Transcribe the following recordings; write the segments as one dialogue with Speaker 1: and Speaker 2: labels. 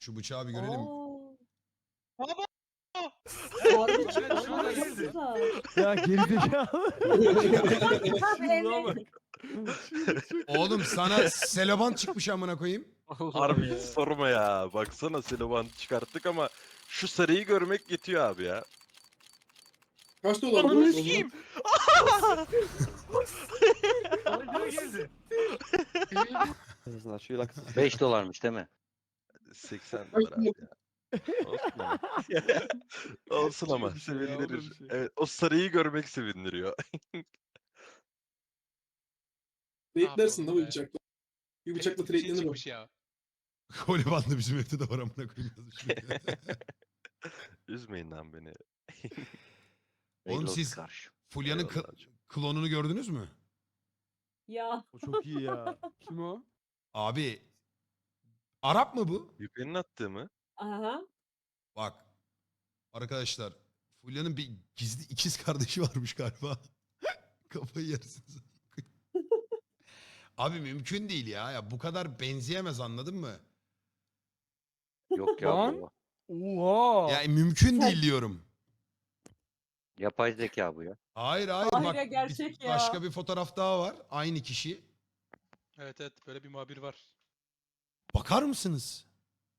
Speaker 1: Şu bıçağı bir görelim.
Speaker 2: Oo.
Speaker 3: Baba!
Speaker 2: Harbi
Speaker 3: Evet,
Speaker 2: çok
Speaker 3: şuna
Speaker 2: çok
Speaker 3: girdi.
Speaker 2: güzel.
Speaker 4: Ya gerizekalı. Şuna bak.
Speaker 1: Oğlum sana seloban çıkmış amına koyayım.
Speaker 5: Harbi hiç sorma ya. Baksana Siloban çıkarttık ama şu sarıyı görmek yetiyor abi ya.
Speaker 6: Kaç dolar bu?
Speaker 3: Ananı sikeyim. Sarıya girdi.
Speaker 7: 5 dolarmış değil mi?
Speaker 5: 80 dolar abi ya. Olsun ama. Olsun ama
Speaker 4: Bir şey ya, olur
Speaker 5: sevindirir.
Speaker 4: bir şey.
Speaker 5: Evet, o sarıyı görmek sevindiriyor.
Speaker 6: Trade'lersin da bu
Speaker 3: be.
Speaker 6: bıçakla. Bir
Speaker 3: Evet,
Speaker 6: bıçakla
Speaker 3: bir şey
Speaker 6: trade'lenir o.
Speaker 3: çıkmış ya.
Speaker 1: Koli bandı bizim evde de var amına koyayım.
Speaker 5: Üzmeyin lan beni.
Speaker 1: Oğlum
Speaker 7: Reload
Speaker 1: siz
Speaker 7: karşı.
Speaker 1: Fulya'nın
Speaker 5: Eyvallah hocam.
Speaker 1: klonunu gördünüz mü?
Speaker 2: Ya.
Speaker 4: O çok iyi ya. Kim o?
Speaker 1: Abi Arap mı bu?
Speaker 5: Yüpenin attığı mı?
Speaker 2: Aha.
Speaker 1: Bak arkadaşlar Fulya'nın bir gizli ikiz kardeşi varmış galiba. Kafayı yersiniz. Abi mümkün değil ya. Bu kadar benzeyemez anladın mı?
Speaker 7: Yok ya
Speaker 4: Lan.
Speaker 7: bu.
Speaker 4: Oha.
Speaker 1: Yani mümkün
Speaker 2: Sen-
Speaker 1: değil diyorum.
Speaker 7: Yapay zeka bu ya.
Speaker 1: Hayır hayır
Speaker 2: Hayır
Speaker 1: bak
Speaker 2: ya, gerçek ya.
Speaker 1: başka bir fotoğraf daha var. Aynı kişi.
Speaker 3: Evet evet, böyle bir muhabir var.
Speaker 1: Bakar mısınız?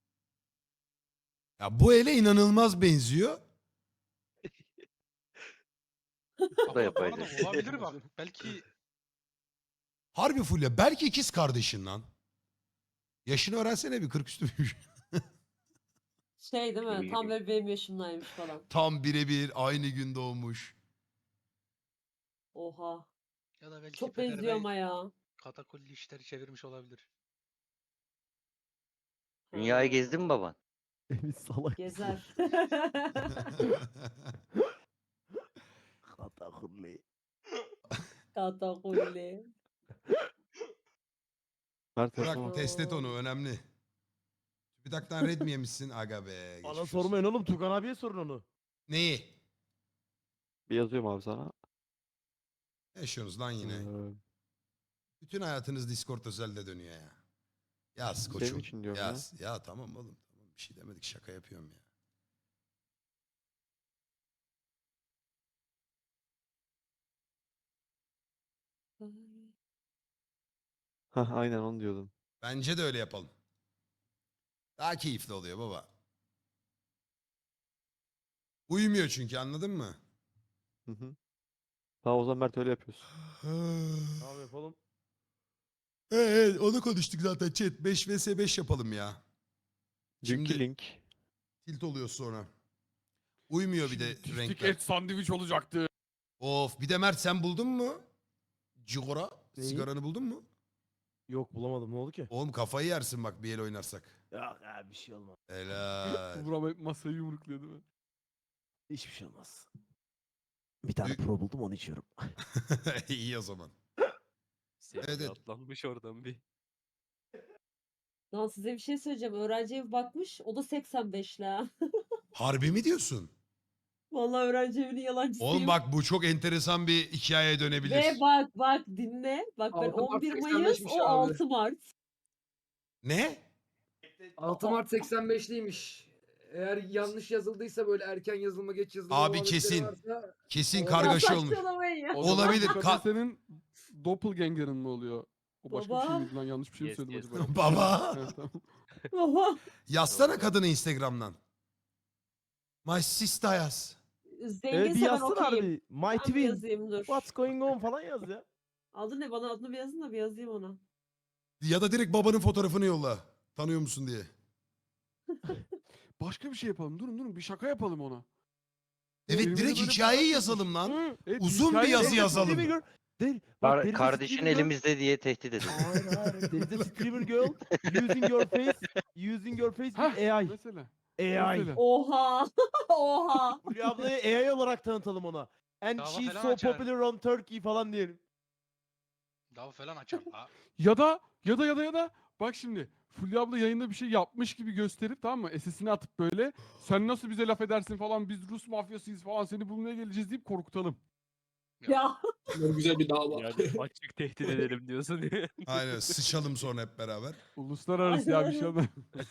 Speaker 1: Ya bu ele inanılmaz benziyor.
Speaker 7: Bu da yapay
Speaker 3: Ama
Speaker 7: zeka.
Speaker 3: olabilir bak. Belki
Speaker 1: Harbi Fulya belki ikiz kardeşin lan. Yaşını öğrensene bir 40 üstü müymüş.
Speaker 2: Şey değil mi? Tam böyle benim yaşımdaymış falan.
Speaker 1: Tam birebir aynı gün doğmuş.
Speaker 2: Oha.
Speaker 3: ya da belki
Speaker 2: Çok
Speaker 3: Peder
Speaker 2: benziyor
Speaker 3: Bey
Speaker 2: ama ya.
Speaker 3: katakulli işleri çevirmiş olabilir.
Speaker 7: Dünyayı
Speaker 2: Ha.
Speaker 7: gezdin mi baban?
Speaker 4: Emin salak.
Speaker 2: Gezer.
Speaker 4: Katakulli.
Speaker 2: Katakulli.
Speaker 1: Bırak test et onu önemli. Bir dakika red mi yemişsin? Aga be.
Speaker 4: Bana
Speaker 1: geçmiş olsun.
Speaker 4: sormayın oğlum. Tugan abiye sorun onu.
Speaker 1: Neyi?
Speaker 8: Bir yazıyorum abi sana.
Speaker 1: Ne yaşıyorsunuz lan yine?
Speaker 8: Ee,
Speaker 1: Bütün hayatınız Discord özelde dönüyor ya. Yaz
Speaker 8: Senin
Speaker 1: koçum.
Speaker 8: için diyorum
Speaker 1: Yaz. Ya tamam oğlum. Tamam. Bir şey demedik şaka yapıyorum ya.
Speaker 8: Hah aynen onu diyordum.
Speaker 1: Bence de öyle yapalım. Daha keyifli oluyor baba. Uyumuyor çünkü anladın mı?
Speaker 8: Hı hı. Tamam o zaman Mert öyle yapıyorsun.
Speaker 4: Tamam yapalım.
Speaker 1: Evet onu konuştuk zaten chat. 5 vs 5 yapalım ya.
Speaker 8: Dünkü
Speaker 1: Şimdi
Speaker 8: link.
Speaker 1: tilt oluyor sonra. Uyumuyor bir de
Speaker 4: Tiftik
Speaker 1: renkler.
Speaker 4: et sandviç olacaktı.
Speaker 1: Of bir de Mert sen buldun mu? Cigora.
Speaker 4: Neyi?
Speaker 1: Sigaranı buldun mu?
Speaker 4: Yok bulamadım. Ne oldu ki?
Speaker 1: Oğlum kafayı yersin bak bir el oynarsak.
Speaker 4: Yok abi bir şey olmaz.
Speaker 1: Helal.
Speaker 4: Burak masayı yumrukluyor değil mi? Hiçbir şey olmaz. Bir tane
Speaker 1: Büyük-
Speaker 4: pro buldum onu içiyorum.
Speaker 1: İyi o zaman. Evet, evet.
Speaker 8: Atlanmış oradan bir.
Speaker 2: Lan size bir şey söyleyeceğim. Öğrenci evi bakmış. O da 85'li ha.
Speaker 1: Harbi mi diyorsun?
Speaker 2: Vallahi öğrenci evinin yalancısıyım.
Speaker 1: Oğlum bak bu çok enteresan bir hikayeye dönebilir.
Speaker 2: Ve bak dinle. Bak ben
Speaker 9: 6 Mart
Speaker 2: 11 Mayıs
Speaker 9: 85'miş
Speaker 2: o
Speaker 9: abi.
Speaker 2: 6 Mart.
Speaker 1: Ne?
Speaker 9: 6 Mart 85'liymiş. Eğer yanlış yazıldıysa böyle erken yazılma geç yazılma
Speaker 1: Abi
Speaker 9: muhabbetleri
Speaker 1: kesin.
Speaker 9: varsa
Speaker 1: Kesin
Speaker 9: Ya
Speaker 1: kargaşa olmuş.
Speaker 2: Saçmalamayın ya.
Speaker 1: Olabilir.
Speaker 4: Senin doppelganger'ın mı oluyor? O başka bir şey
Speaker 2: Baba.
Speaker 4: miydi lan? Yanlış bir şey mi
Speaker 8: Yes,
Speaker 4: söyledim
Speaker 8: yes.
Speaker 4: acaba?
Speaker 1: Baba.
Speaker 4: Evet, tamam.
Speaker 2: Baba.
Speaker 1: Yazsana kadını Instagram'dan. My sister yaz.
Speaker 2: Zenginse
Speaker 4: bir
Speaker 2: ben
Speaker 4: yazsana
Speaker 2: okeyim.
Speaker 4: harbi. My
Speaker 2: Ben bir
Speaker 4: twin.
Speaker 2: yazayım dur.
Speaker 4: What's going on falan yaz ya.
Speaker 2: Adı ne? Bana adını bir yazın da bir yazayım ona.
Speaker 1: Ya da direkt babanın fotoğrafını yolla. Tanıyor musun diye.
Speaker 4: Başka bir şey yapalım. Durun bir şaka yapalım ona.
Speaker 1: Evet
Speaker 4: Elimizde
Speaker 1: direkt
Speaker 4: böyle
Speaker 1: hikayeyi
Speaker 4: fotoğraf
Speaker 1: yazalım lan.
Speaker 4: Hı, evet,
Speaker 1: Uzun bir
Speaker 4: hikaye
Speaker 1: yazı
Speaker 4: yazalım.
Speaker 1: yazalım.
Speaker 4: Streamer girl. Değil. Bak, there is a
Speaker 7: Kardeşin
Speaker 4: streamer girl.
Speaker 7: elimizde diye tehdit edin.
Speaker 4: Hayır. There is a streamer girl using your face with AI.
Speaker 10: Mesela.
Speaker 4: AI.
Speaker 10: Mesela.
Speaker 2: Oha. Oha.
Speaker 4: Fulya ablayı AI olarak tanıtalım ona. And
Speaker 3: Dava
Speaker 4: she's
Speaker 3: falan
Speaker 4: so
Speaker 3: açar.
Speaker 4: popular on Turkey falan diyelim.
Speaker 3: Dava falan açar. Ha.
Speaker 10: Ya da bak şimdi Fulya abla yayında bir şey yapmış gibi gösterip tamam mı? SS'ini atıp böyle sen nasıl bize laf edersin falan biz Rus mafyasıyız falan seni bulmaya geleceğiz deyip korkutalım.
Speaker 2: Ya
Speaker 6: Bunlar güzel bir dava.
Speaker 4: Yani açık tehdit edelim diyorsun.
Speaker 1: Aynen sıçalım sonra hep beraber.
Speaker 10: Uluslararası ya bir şey olmaz.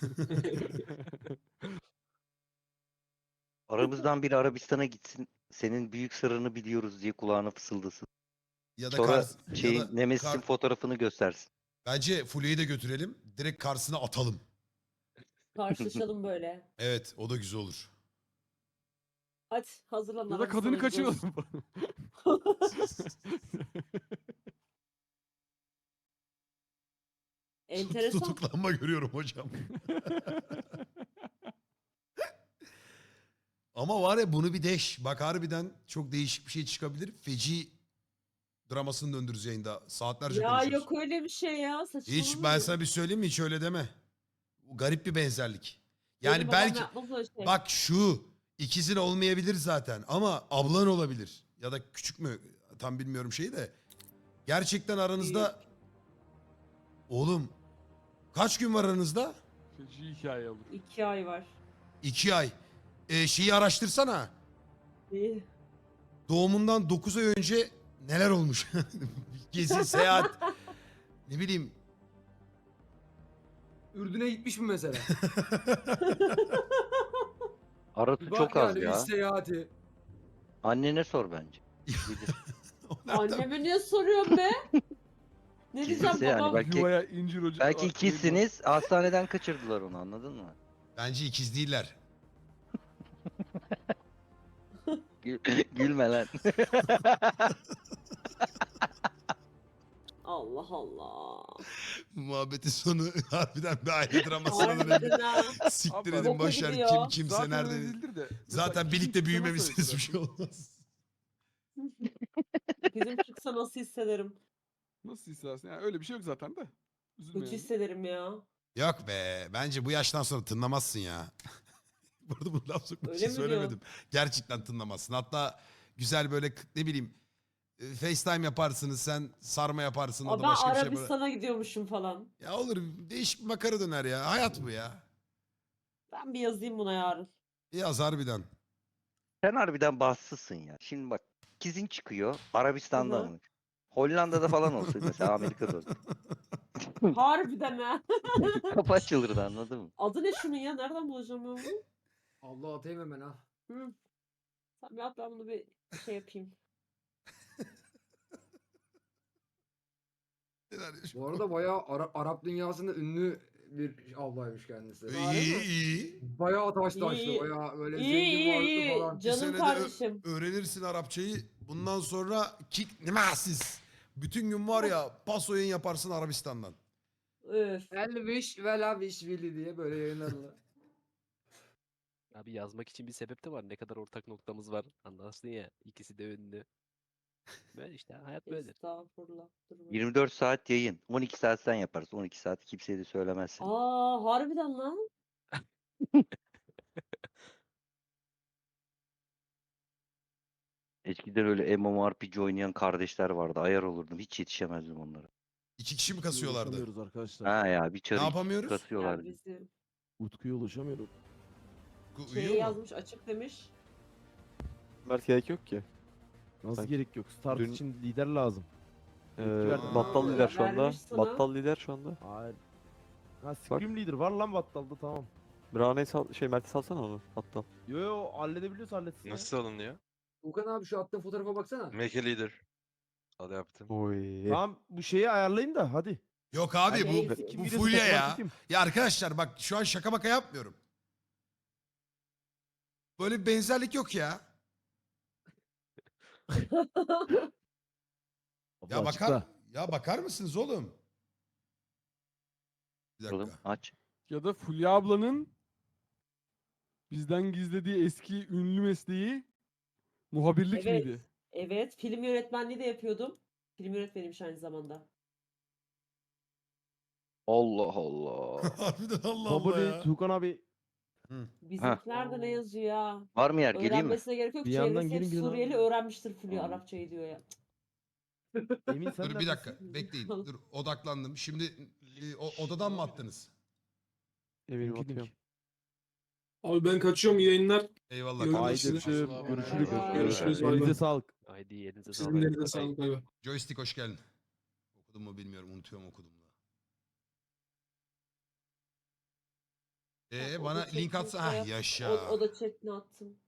Speaker 7: Aramızdan biri Arabistan'a gitsin. Senin büyük sırrını biliyoruz diye kulağına fısıldasın.
Speaker 1: Ya da
Speaker 7: Sonra
Speaker 1: ya
Speaker 7: şeyin
Speaker 1: da
Speaker 7: Nemesis'in fotoğrafını göstersin.
Speaker 1: Bence Fulya'yı da götürelim. Direkt karşısına atalım.
Speaker 2: karşılaşalım böyle.
Speaker 1: Evet o da güzel olur.
Speaker 2: Hadi hazırlan.
Speaker 10: Ya da kadını
Speaker 2: Arabistan'a gidiyoruz.
Speaker 10: kaçıralım.
Speaker 2: Enteresan.
Speaker 1: Tutuklanma görüyorum hocam. Ama var ya bunu bir deş. Bak harbiden çok değişik bir şey çıkabilir. Feci dramasını döndürürüz yayında. Saatlerce
Speaker 2: Ya
Speaker 1: konuşuruz.
Speaker 2: yok öyle bir şey ya. Saçmalama.
Speaker 1: Hiç ben sana bir söyleyeyim mi? Hiç öyle deme. Bu garip bir benzerlik.
Speaker 2: Benim
Speaker 1: Yani
Speaker 2: babam
Speaker 1: belki
Speaker 2: yapmaz öyle şey.
Speaker 1: bak şu ikizin olmayabilir zaten ama ablan olabilir. Ya da küçük mü? Tam bilmiyorum şeyi de. Gerçekten aranızda oğlum kaç gün var aranızda?
Speaker 10: Feci hikaye olur.
Speaker 2: 2 ay var.
Speaker 1: 2 ay. Şeyi araştırsana.
Speaker 2: İyi.
Speaker 1: Doğumundan 9 ay önce neler olmuş? Gezi, seyahat. Ne bileyim.
Speaker 9: Ürdün'e gitmiş mi mesela?
Speaker 7: Arası
Speaker 9: Bir bak
Speaker 7: çok az
Speaker 9: yani bir
Speaker 7: ya.
Speaker 9: seyahati.
Speaker 7: Annene sor bence. Bilir.
Speaker 1: O nereden-
Speaker 2: Anneme niye soruyorsun be? Ne diyeceğim
Speaker 7: Gizlisi yani,
Speaker 2: babam?
Speaker 7: belki
Speaker 10: Yuvaya incir hoca.
Speaker 7: belki ikizsiniz, hastaneden kaçırdılar onu, anladın mı?
Speaker 1: Bence ikiz değiller.
Speaker 7: Gülme lan.
Speaker 2: Allah Allah.
Speaker 1: Bu muhabbetin sonu harbiden bir aile dramasına dönebilir.
Speaker 2: Harbiden ha.
Speaker 1: Siktir
Speaker 10: Abi,
Speaker 1: edin
Speaker 2: boka
Speaker 1: boşver
Speaker 2: gidiyor.
Speaker 1: kim kimse
Speaker 10: Zaten
Speaker 1: nerede.
Speaker 10: öyle değildir de. Mesela
Speaker 1: Zaten
Speaker 10: ikizin
Speaker 1: birlikte
Speaker 10: çıksa
Speaker 1: büyümemişsiniz
Speaker 10: nasıl
Speaker 1: bir şey olmaz.
Speaker 2: Bizim çıksa nasıl hissederim?
Speaker 10: Nasıl istersin? Yani öyle bir şey yok zaten de. Üzülme
Speaker 2: Kötü
Speaker 10: yani.
Speaker 2: hissederim ya.
Speaker 1: Yok be bence bu yaştan sonra tınlamazsın ya. Burada bu laf sokmak
Speaker 2: Öyle
Speaker 1: için
Speaker 2: mi diyor?
Speaker 1: söylemedim. Gerçekten tınlamazsın. Hatta güzel böyle ne bileyim FaceTime yaparsınız sen sarma yaparsın o
Speaker 2: Aa,
Speaker 1: da
Speaker 2: ben
Speaker 1: başka bir şey yapar.
Speaker 2: Arabistan'a gidiyormuşum falan.
Speaker 1: Ya olur değişik bir makara döner ya. Hayat bu ya.
Speaker 2: Ben bir yazayım buna yarın.
Speaker 1: Yaz harbiden.
Speaker 7: Sen harbiden bahtsızsın ya. Şimdi bak, ikizin çıkıyor Arabistan'da
Speaker 2: Hı hı.
Speaker 7: mı? Hollanda'da falan olsa mesela, Amerika'da olsa.
Speaker 2: Harbiden ha.
Speaker 7: Kapı açılırdı, anladın mı?
Speaker 2: Adı ne şunun ya? Nereden bulacağım ben bunu?
Speaker 9: Allah atayım hemen ha.
Speaker 2: Hı. Sen bir at ben bunu bir şey yapayım.
Speaker 9: Bu arada bayağı Arap dünyasında ünlü bir ablaymış kendisi.
Speaker 2: Harbi
Speaker 1: İyi
Speaker 2: mi?
Speaker 1: iyi.
Speaker 9: Bayağı taş
Speaker 2: İyi,
Speaker 9: taşlı,
Speaker 2: iyi.
Speaker 9: bayağı böyle
Speaker 2: İyi
Speaker 9: zengin
Speaker 2: iyi
Speaker 9: varlıklı
Speaker 2: iyi.
Speaker 9: falan.
Speaker 1: Bir
Speaker 2: Canım
Speaker 1: senede
Speaker 2: kardeşim.
Speaker 1: öğrenirsin Arapçayı. Bundan sonra kick nemasiz. Bütün gün var ya pas oyun yaparsın Arabistan'dan.
Speaker 2: Öf.
Speaker 9: Elviş ve laviş vili diye böyle yayınlarlar.
Speaker 4: Abi yazmak için bir sebep de var. Ne kadar ortak noktamız var. Anlarsın ya. İkisi de ünlü. Böyle işte hayat böyledir.
Speaker 2: Estağfurullah. Dur bakayım.
Speaker 7: 24 saat yayın. 12 saat sen yaparsın. 12 saat kimseye de söylemezsin.
Speaker 2: Aa harbiden lan.
Speaker 7: Eskiden öyle MMORPG oynayan kardeşler vardı. Ayar olurdum. Hiç yetişemezdim onlara.
Speaker 1: 2 kişi mi kasıyorlardı?
Speaker 4: Ulaşamıyoruz arkadaşlar.
Speaker 7: Ha ya, bir
Speaker 1: Ne
Speaker 7: çarı
Speaker 1: yapamıyoruz?
Speaker 2: Ya
Speaker 7: kasıyorlardı.
Speaker 2: bizim
Speaker 4: Utku'ya ulaşamıyorum.
Speaker 1: Uyuyor
Speaker 2: şeye
Speaker 1: mu?
Speaker 2: yazmış açık demiş.
Speaker 8: Mert gerek yok ki.
Speaker 4: Nasıl
Speaker 8: Sanki
Speaker 4: gerek yok? Start
Speaker 8: dün-
Speaker 4: için lider lazım.
Speaker 8: Battal lider şu anda.
Speaker 2: Vermiş sana.
Speaker 8: Battal lider şu anda.
Speaker 4: Hayır. Ha Scream Leader var lan Battal'da, tamam.
Speaker 8: Brane'yi sal Mert'i salsana onu Battal.
Speaker 4: Yo yo, halledebiliyorsa halletsin ya.
Speaker 5: Nasıl alınıyor?
Speaker 9: Ukan abi şu attığın fotoğrafa baksana.
Speaker 5: Make a leader. Al yaptım.
Speaker 8: Oy.
Speaker 4: Tamam, bu şeyi ayarlayın da hadi.
Speaker 1: Yok abi
Speaker 2: Şey,
Speaker 1: bu,
Speaker 4: Kim
Speaker 1: bu
Speaker 4: birisi
Speaker 1: fulya
Speaker 4: takılan
Speaker 1: ya.
Speaker 4: kim?
Speaker 1: Ya arkadaşlar bak şu an şaka maka yapmıyorum. Böyle bir benzerlik yok ya. Ya
Speaker 4: Abla
Speaker 1: bakar
Speaker 4: açıkla.
Speaker 1: ya bakar mısınız oğlum? Bir
Speaker 7: Oğlum
Speaker 1: dakika.
Speaker 7: aç.
Speaker 10: Ya da Fulya ablanın bizden gizlediği eski ünlü mesleği muhabirlik
Speaker 2: Evet.
Speaker 10: miydi?
Speaker 2: Evet, film yönetmenliği de yapıyordum. Film yönetmeniymiş aynı zamanda.
Speaker 7: Allah Allah.
Speaker 1: Harbiden Allah Allah
Speaker 4: Baboli,
Speaker 1: ya.
Speaker 4: Tuğkan abi.
Speaker 2: Bizimkilerde ne yazıyor ya?
Speaker 7: Var mı yer? Geleyim mi?
Speaker 2: Öğrenmesine gerek yok.
Speaker 4: Bir yandan
Speaker 2: Çevresi hep
Speaker 4: gelin, gelin
Speaker 2: Suriyeli
Speaker 4: abi.
Speaker 2: öğrenmiştir Fulya
Speaker 7: Tamam.
Speaker 2: Arapçayı diyor ya.
Speaker 4: Emin sen
Speaker 1: Dur bir dakika
Speaker 4: neredesin?
Speaker 1: bekleyin. Dur odaklandım. Şimdi odadan mı attınız?
Speaker 8: Eminim
Speaker 4: Linki,
Speaker 8: atıyorum.
Speaker 4: link.
Speaker 6: Abi ben kaçıyorum, iyi yayınlar.
Speaker 1: Eyvallah
Speaker 6: Haydi.
Speaker 1: kardeşim.
Speaker 10: Haydi
Speaker 3: Allah'a
Speaker 10: görüşürüz.
Speaker 3: emanet.
Speaker 6: Görüşürüz, bay bay.
Speaker 10: Elinize sağlık.
Speaker 4: Haydi yerinize
Speaker 6: Sizin
Speaker 4: sağlık.
Speaker 6: de elinize sağlık. Bay bay.
Speaker 1: Joystick hoş geldin. Okudum mu bilmiyorum. Unutuyorum okudum da.
Speaker 2: Bak, o
Speaker 1: Bana
Speaker 2: da
Speaker 1: link
Speaker 2: chat'ini
Speaker 1: atsa.
Speaker 2: şey
Speaker 1: Hah
Speaker 2: yap-
Speaker 1: yaşa.
Speaker 2: O da chat'ini attım.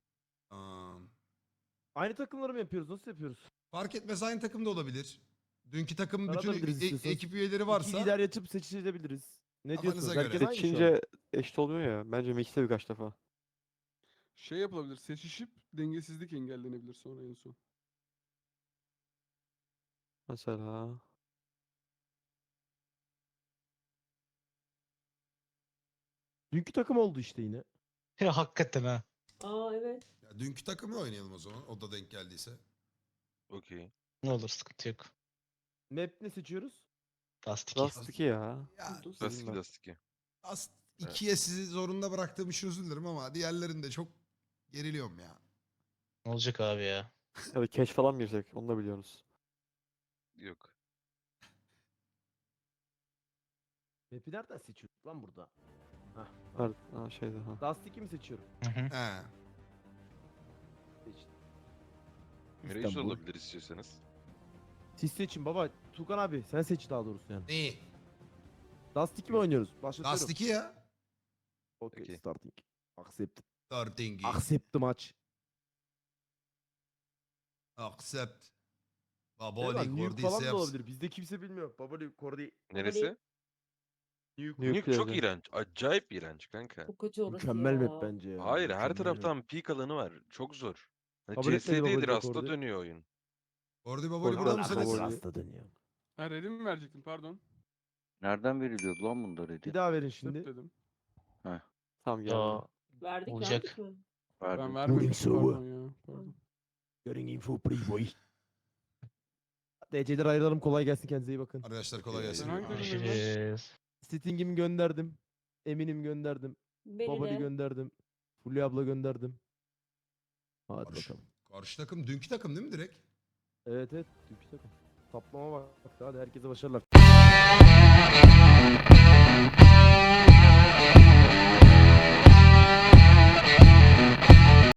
Speaker 8: Aynı takımları mı yapıyoruz? Nasıl yapıyoruz?
Speaker 1: Fark etmez aynı takım da olabilir. Dünkü takım bütün
Speaker 8: Aratabiliriz istiyorsanız.
Speaker 1: ekip üyeleri
Speaker 8: İki
Speaker 1: varsa
Speaker 8: lider açıp seçilebiliriz. Ne
Speaker 1: Kafanıza
Speaker 8: diyorsunuz?
Speaker 1: göre.
Speaker 8: Herkes aynı şu an.
Speaker 11: Seçince eşit olmuyor ya. Bence mixte birkaç defa.
Speaker 10: Şey yapılabilir. Seçişip dengesizlik engellenebilir sonra en son.
Speaker 11: Mesela.
Speaker 8: Dünkü takım oldu işte yine.
Speaker 12: Ya hakikaten ha.
Speaker 2: Aa evet.
Speaker 1: ya, dünkü takımı oynayalım o zaman. O da denk geldiyse.
Speaker 5: Okey.
Speaker 12: Ne olur sıkıntı yok.
Speaker 8: Map ne seçiyoruz?
Speaker 12: Dust 2.
Speaker 11: Dust 2 ya.
Speaker 1: Ya
Speaker 5: Dust 2 Dust 2.
Speaker 1: As 2'ye sizi zorunda bıraktığım için özür dilerim ama diğerlerinde çok geriliyorum ya.
Speaker 12: Ne olacak abi ya?
Speaker 11: Ya da cash falan mı girsek? Onu da biliyorsunuz.
Speaker 5: Yok.
Speaker 8: Map'i nereden seçiyorduk lan burada?
Speaker 11: Nerede? Ha şeyde ha.
Speaker 8: Dust 2 mi seçiyorum?
Speaker 1: He.
Speaker 8: Seçtim.
Speaker 5: Reis
Speaker 8: İstanbul.
Speaker 5: olabilir istiyorsanız.
Speaker 8: Siz seçin baba. Tukan abi sen seç daha doğrusu yani.
Speaker 1: Neyi?
Speaker 8: Dust 2 mi oynuyoruz? Başlatıyorum.
Speaker 1: Dust 2 ya.
Speaker 8: Okay,
Speaker 5: Okey.
Speaker 8: starting. Accept.
Speaker 1: Starting.
Speaker 8: Accept the match.
Speaker 1: Accept.
Speaker 8: Evet,
Speaker 1: Baboli
Speaker 8: lan, Nuke falan da
Speaker 1: Cordyceps.
Speaker 8: olabilir. Bizde kimse bilmiyor. Babali, Cordy,
Speaker 5: Neresi?
Speaker 8: Nuke.
Speaker 5: Nuke çok
Speaker 11: Nuclear'de.
Speaker 5: iğrenç. Acayip iğrenç kanka.
Speaker 2: Çok kötü orası
Speaker 8: Mükemmel
Speaker 2: ya.
Speaker 8: map bence ya.
Speaker 5: Hayır, her
Speaker 8: mükemmel map.
Speaker 5: taraftan peak alanı var. Çok zor. Hani
Speaker 8: Kabul etmedi
Speaker 5: CS
Speaker 8: Baboli
Speaker 5: değildir,
Speaker 8: de
Speaker 5: hasta
Speaker 8: Cordy.
Speaker 5: dönüyor oyun.
Speaker 1: Cordy Baboli
Speaker 11: Cordy
Speaker 1: burada
Speaker 11: Baboli.
Speaker 1: mısınız?
Speaker 11: Baboli.
Speaker 8: Hasta dönüyor.
Speaker 10: Ha ready mi verecektin pardon.
Speaker 7: Nereden veriliyordu lan bunda
Speaker 8: Bir
Speaker 7: dedi?
Speaker 8: daha verin
Speaker 10: Şimdi.
Speaker 8: şimdi.
Speaker 10: Dedim.
Speaker 11: Tamam geldi.
Speaker 12: Ya
Speaker 2: Verdik
Speaker 12: Olacak.
Speaker 2: verdik mi?
Speaker 10: Ben
Speaker 7: Verdim.
Speaker 10: vermemiştim
Speaker 8: Moving
Speaker 10: pardon ya. Pardon.
Speaker 8: Getting info pre-boy. DC'den ayrılalım. Kolay gelsin. Kendinize iyi bakın.
Speaker 1: Arkadaşlar kolay gelsin.
Speaker 10: Ben hangi takımdayım lan?
Speaker 12: görüşürüz.
Speaker 8: Sting'imi gönderdim. Emin'im gönderdim.
Speaker 2: Beni
Speaker 8: Babali
Speaker 2: de.
Speaker 8: gönderdim. Fulya abla gönderdim. Hadi
Speaker 1: Karşı,
Speaker 8: bakalım.
Speaker 1: karşı takım dünkü takım değil mi direkt?
Speaker 8: Evet evet. Dünkü takım. Taplama bak. Hadi herkese başarılar.